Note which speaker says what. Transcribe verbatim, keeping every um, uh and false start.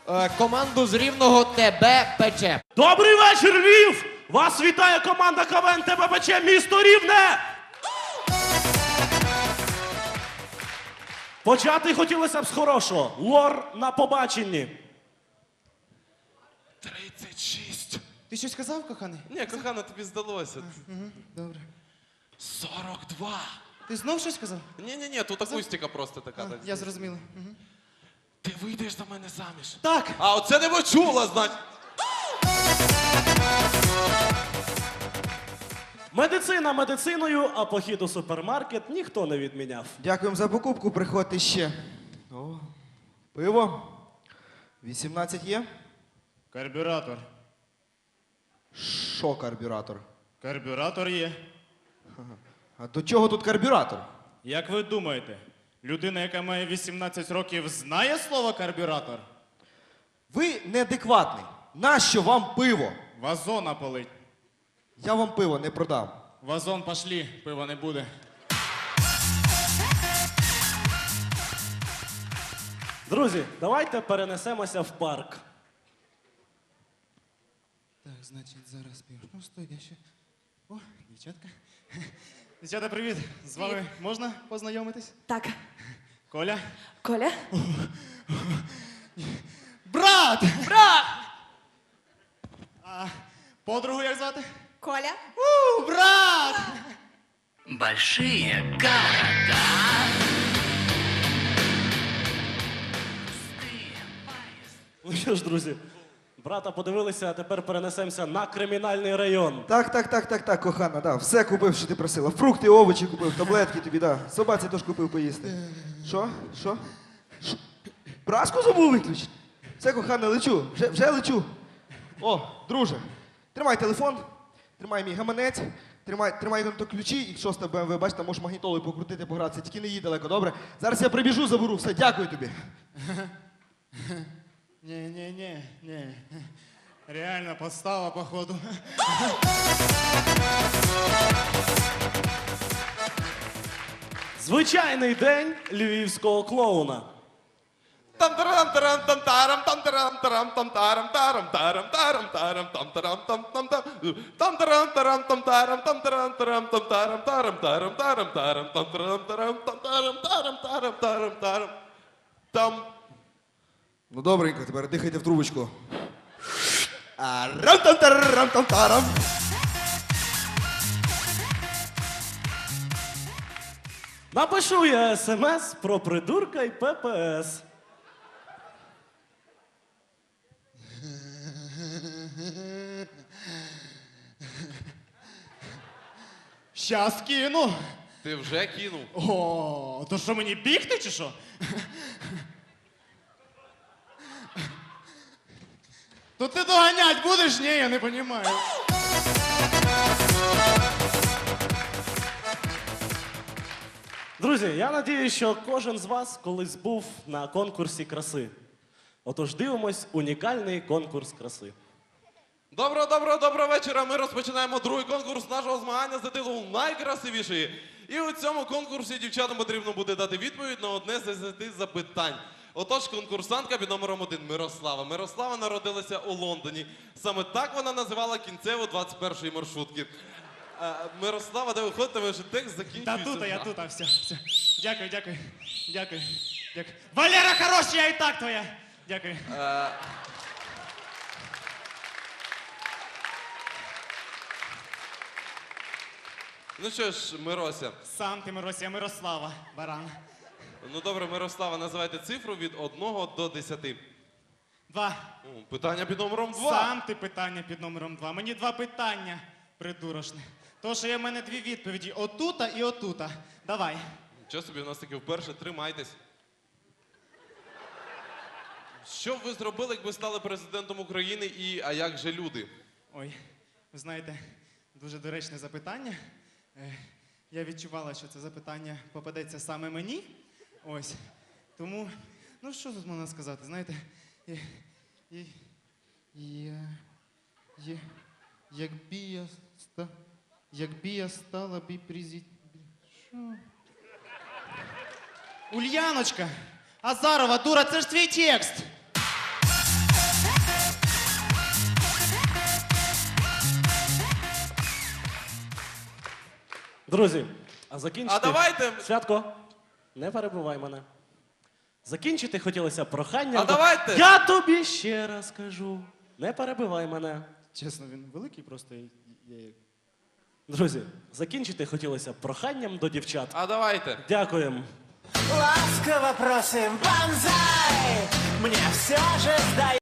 Speaker 1: Е, команду з Рівного тебе пече.
Speaker 2: Добрий вечір, Львів! Вас вітає команда КВН ТБПЧ місто Рівне! Почати хотілося б з хорошого. Лор на побаченні.
Speaker 3: тридцять шість.
Speaker 4: Ти щось сказав, коханий?
Speaker 3: Ні, кохана, тобі здалося.
Speaker 4: Угу, добре.
Speaker 3: сорок два.
Speaker 4: Ти знов щось сказав?
Speaker 3: Ні-ні-ні, тут акустика просто така.
Speaker 4: А,
Speaker 3: так.
Speaker 4: я зрозуміла. Угу.
Speaker 3: Ти вийдеш за мене заміж.
Speaker 4: Так.
Speaker 3: А оце не почула, значить.
Speaker 2: Медицина медициною, а похід у супермаркет ніхто не відміняв.
Speaker 5: Дякуємо за покупку, приходьте ще. О, пиво. вісімнадцять є?
Speaker 6: Карбюратор.
Speaker 5: Що карбюратор?
Speaker 6: Карбюратор є.
Speaker 5: А до чого тут карбюратор?
Speaker 6: Як ви думаєте, людина, яка має вісімнадцять років, знає слово карбюратор?
Speaker 5: Ви неадекватний. Нащо вам пиво?
Speaker 6: Вазона полить.
Speaker 5: Я вам пиво не продам.
Speaker 6: Вазон пошлі, пива не буде.
Speaker 2: Друзі, давайте перенесемося в парк.
Speaker 4: Так, значить, зараз пів. Ну, стой, я ще. О, дівчатка. Дівчата, привіт. З вами можна познайомитись?
Speaker 7: Так,
Speaker 4: Коля.
Speaker 7: Коля?
Speaker 4: Брат!
Speaker 7: Брат!
Speaker 4: А подругу як звати?
Speaker 7: Коля?
Speaker 4: У, брат!
Speaker 8: Большие города.
Speaker 2: Ну що ж, друзі, брата подивилися, а тепер перенесемося на кримінальний район.
Speaker 5: Так, так, так, так, так, кохана, да. Все купив, що ти просила. Фрукти, овочі купив, таблетки тобі, да. Собаці теж купив поїсти. Що? Що? Що? Праску забув виключити? Все, кохана, лечу. Вже, вже лечу. О, друже, тримай телефон, тримай мій гаманець, тримай, тримай то ключі і шоста Б М В, бачиш, там можеш магнітолою покрутити, погратися, тільки не їдь далеко, добре? Зараз я прибіжу, заберу, все, дякую тобі.
Speaker 6: Ні-ні-ні, ні. Реально подстава, походу.
Speaker 2: Звичайний день львівського клоуна.
Speaker 3: Там тарам тарам там тарам там тарам тарам там тарам тарам тарам тарам тарам там тарам там там там там тарам тарам там тарам там тарам тарам там тарам тарам тарам тарам тарам там тарам тарам там тарам тарам тарам тарам тарам там.
Speaker 5: Ну, добренько, тепер дихайте в трубочку. А, рам-там-тарам-там-тарам.
Speaker 2: Напишу я смс про придурка і П П С.
Speaker 6: Щас кину.
Speaker 3: Ти вже кинув.
Speaker 6: О, то що мені бігти чи що? То ти доганять будеш? Ні, я не розумію.
Speaker 2: Друзі, я надію, що кожен з вас колись був на конкурсі краси. Отож дивимось унікальний конкурс краси.
Speaker 3: Доброго, доброго, доброго вечора. Ми розпочинаємо другий конкурс нашого змагання за титулом найкрасивішої. І у цьому конкурсі дівчатам потрібно буде дати відповідь на одне з десяти запитань. Отож, конкурсантка під номером один Мирослава. Мирослава народилася у Лондоні. Саме так вона називала кінцеву двадцять першої маршрутки. Е, Мирослава, де ви ходите, ви вже текст
Speaker 6: Та
Speaker 3: закінчується.
Speaker 6: тут, а я тут, а все, все. Дякую, дякую, дякую, дякую. Валера, хороший, я і так твоя. Дякую.
Speaker 3: Е, Ну що ж, Мирося.
Speaker 6: Сам ти, Миросія, Мирослава, баран.
Speaker 3: Ну добре, Мирослава, називайте цифру від одного до десяти.
Speaker 6: Два.
Speaker 3: О, питання під номером два.
Speaker 6: Сам ти питання під номером два. Мені два питання, придурошне. То, що є в мене дві відповіді. Отута і отута. Давай.
Speaker 3: Що собі, у нас таки вперше, тримайтесь. Що б ви зробили, якби стали президентом України і а як же люди?
Speaker 6: Ой, ви знаєте, дуже доречне запитання. Е, Я відчувала, що це запитання попадеться саме мені. Ось. Тому, ну що тут можна сказати, знаєте, і, і, я, я, якби я ста, якби я стала би президентом. Що? Ульяночка! Азарова, дура, це ж твій текст!
Speaker 2: Друзі, а закінчити...
Speaker 3: А давайте-
Speaker 2: Святко, не перебивай мене. Закінчити хотілося проханням...
Speaker 3: А давайте-
Speaker 2: Я тобі ще раз кажу, не перебивай мене.
Speaker 6: Чесно, він великий, просто я, я як.
Speaker 2: Друзі, закінчити хотілося проханням до дівчат.
Speaker 3: А давайте.
Speaker 2: Дякуємо.
Speaker 7: Ласково просим, банзай! Мне все же сдается.